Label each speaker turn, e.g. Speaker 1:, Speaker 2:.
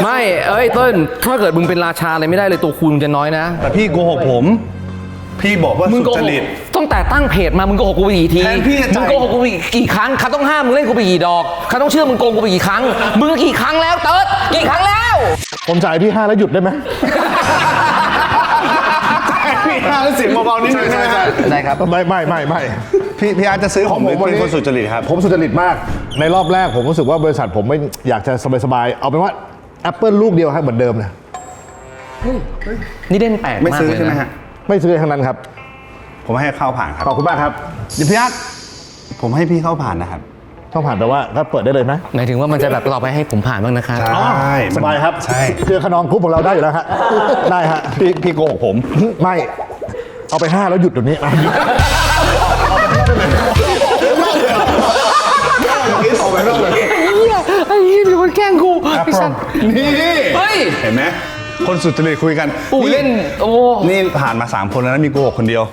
Speaker 1: ไม่เอ้ยเติ้ลถ้าเกิดมึงเป็นราชาอะไรไม่ได้เลยตัวคูณมึงจะน้อยนะ
Speaker 2: แต่พี่โกหกผม พี่บอกว่า
Speaker 1: มึง
Speaker 2: สุ
Speaker 1: โก
Speaker 2: จ
Speaker 1: หก
Speaker 2: ริต
Speaker 1: ตั้งแต่ตั้งเพจมามึงโกหกกูไปกี่ที
Speaker 2: แทนพี่จะจ่าย
Speaker 1: มึงโกหกกูไปกี่ครั้งเขาต้องห้ามมึงเล่นกูไปกี่ดอกเขาต้องเชื่อมึงโกงกูไปกี่ครั้งมึงกี่ครั้งแล้วเติร์ดกี่ครั้งแล้ว
Speaker 3: ผมจ่ายพี่5แล้วหยุดได้ไหม
Speaker 2: พี่อาร์ตเสียงเบาๆนิดนึงใช่ไหมครับ
Speaker 1: ได้ครับ
Speaker 3: ไม่
Speaker 2: พี่อาร์ตจะซื้อผมเป็นคนสุจริตครับ
Speaker 3: ผมสุจริตมากในรอบแรกผมรู้สึกว่าบริษัทผมไม่อยากจะสบายๆเอาเป็นว่า Apple ลูกเดียวให้เหมือนเดิมนะ
Speaker 1: นี่เด่นแปลก
Speaker 2: ไม่
Speaker 1: มาก
Speaker 2: ซื้อ
Speaker 1: เลย
Speaker 2: ใช่ไหม
Speaker 1: นะ
Speaker 2: ฮะ
Speaker 3: ไม่ซื้อทั้งนั้นครับ
Speaker 2: ผมให้เข้าผ่านครับ
Speaker 3: ขอบคุณมากครับ
Speaker 2: เดี๋ยวพี่อาร์ตผมให้พี่เข้าผ่านนะครับ
Speaker 3: ต้องผ่านแต่ว่าก็เปิดได้เลยไหม
Speaker 1: หมายถึงว่ามันจะแบบต่อไปให้ผมผ่านบ้างนะครับ
Speaker 2: ใช่
Speaker 3: สบายครับ
Speaker 2: ใช่
Speaker 3: เครือขนองกรุ๊ปของเราได้อยู่แล้วฮะได้ฮะ
Speaker 2: พี่โกหกผม
Speaker 3: ไม่เอาไป5แล้วหยุดเดี๋ยวนี้อ่ะ
Speaker 1: ไอ้ยี่มีคนแกล้งกูไอ้สัตว์
Speaker 2: นี่
Speaker 1: เฮ้ย
Speaker 2: เห็นไหมคนสุจริตคุยกัน
Speaker 1: ปู่เล่นโอ้
Speaker 2: นี่ผ่านมา3คนแล้วนะมีโกหกคนเดียว